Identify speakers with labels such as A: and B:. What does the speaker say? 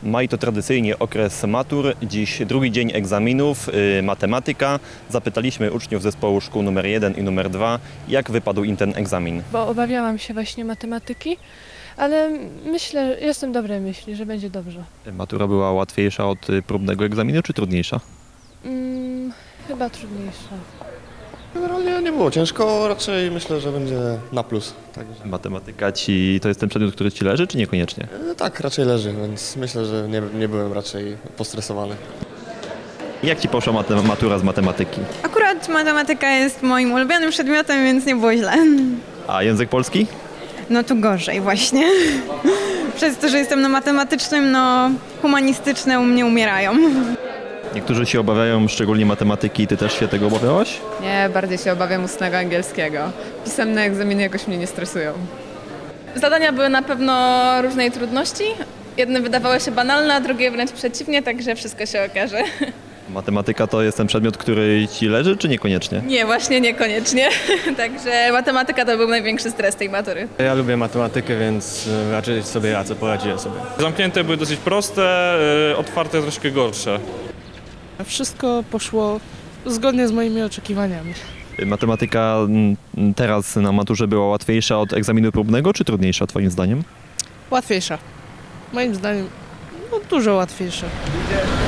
A: Maj to tradycyjnie okres matur, dziś drugi dzień egzaminów, matematyka. Zapytaliśmy uczniów zespołu szkół numer 1 i numer 2, jak wypadł im ten egzamin.
B: Bo obawiałam się właśnie matematyki, ale jestem dobrej myśli, że będzie dobrze.
A: Matura była łatwiejsza od próbnego egzaminu, czy trudniejsza?
B: Chyba trudniejsza.
C: Generalnie nie było ciężko, raczej myślę, że będzie na plus. Także.
A: Matematyka to jest ten przedmiot, który ci leży, czy niekoniecznie?
C: Tak, raczej leży, więc myślę, że nie byłem raczej postresowany.
A: Jak ci poszła matura z matematyki?
D: Akurat matematyka jest moim ulubionym przedmiotem, więc nie było źle.
A: A język polski?
D: No tu gorzej właśnie. Przez to, że jestem na matematycznym, humanistyczne u mnie umierają.
A: Niektórzy się obawiają szczególnie matematyki, ty też się tego obawiałaś?
E: Nie, bardziej się obawiam ustnego angielskiego. Pisemne egzaminy jakoś mnie nie stresują.
F: Zadania były na pewno różnej trudności. Jedne wydawały się banalne, a drugie wręcz przeciwnie, także wszystko się okaże.
A: Matematyka to jest ten przedmiot, który ci leży, czy niekoniecznie?
F: Nie, właśnie niekoniecznie. Także matematyka to był największy stres tej matury.
G: Ja lubię matematykę, więc raczej sobie radzę, poradziłem sobie.
H: Zamknięte były dosyć proste, otwarte troszkę gorsze.
I: Wszystko poszło zgodnie z moimi oczekiwaniami.
A: Matematyka teraz na maturze była łatwiejsza od egzaminu próbnego, czy trudniejsza twoim zdaniem?
I: Łatwiejsza. Moim zdaniem dużo łatwiejsza.